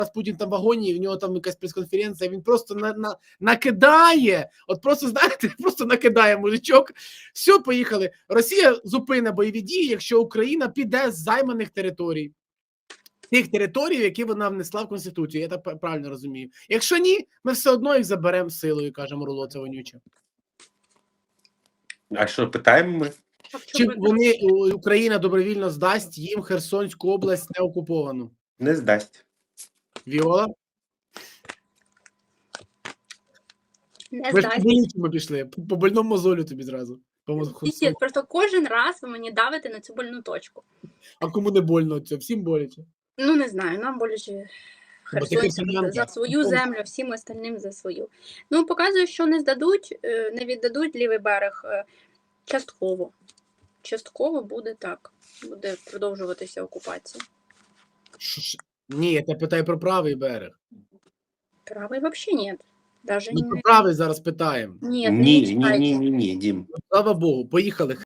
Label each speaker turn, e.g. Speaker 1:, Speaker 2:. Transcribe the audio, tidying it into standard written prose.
Speaker 1: Путін там в вагоні, і в нього там якась прес-конференція, він просто накидає, от просто, знаєте, просто накидає мужичок. Все, поїхали. Росія зупине бойові дії, якщо Україна піде з займаних територій. Тих територій, які вона внесла в Конституцію, я так правильно розумію. Якщо ні, ми все одно їх заберемо силою, каже Мурло, це вонюче.
Speaker 2: А що, питаємо ми?
Speaker 1: Чи Україна добровільно здасть їм Херсонську область неокуповану?
Speaker 2: Не здасть.
Speaker 1: Віола?
Speaker 3: Не
Speaker 1: Ми ж
Speaker 3: здасть.
Speaker 1: по пішли, по больному мозолю тобі зразу.
Speaker 3: Піздець, просто кожен раз ви мені давите на цю больну точку.
Speaker 1: А кому не больно це? Всім боляче.
Speaker 3: Ну, не знаю, нам боляче херсонцям за свою землю, всім остальним за свою. Ну, показує, що не здадуть, не віддадуть лівий берег частково. Частково буде так. Буде продовжуватися окупація.
Speaker 1: Ні, я тебе питаю про правий берег.
Speaker 3: Правий взагалі ні. Даже
Speaker 1: Ми про правий зараз питаємо.
Speaker 3: Ні,
Speaker 2: Ні, Дім.
Speaker 1: Слава Богу, поїхали.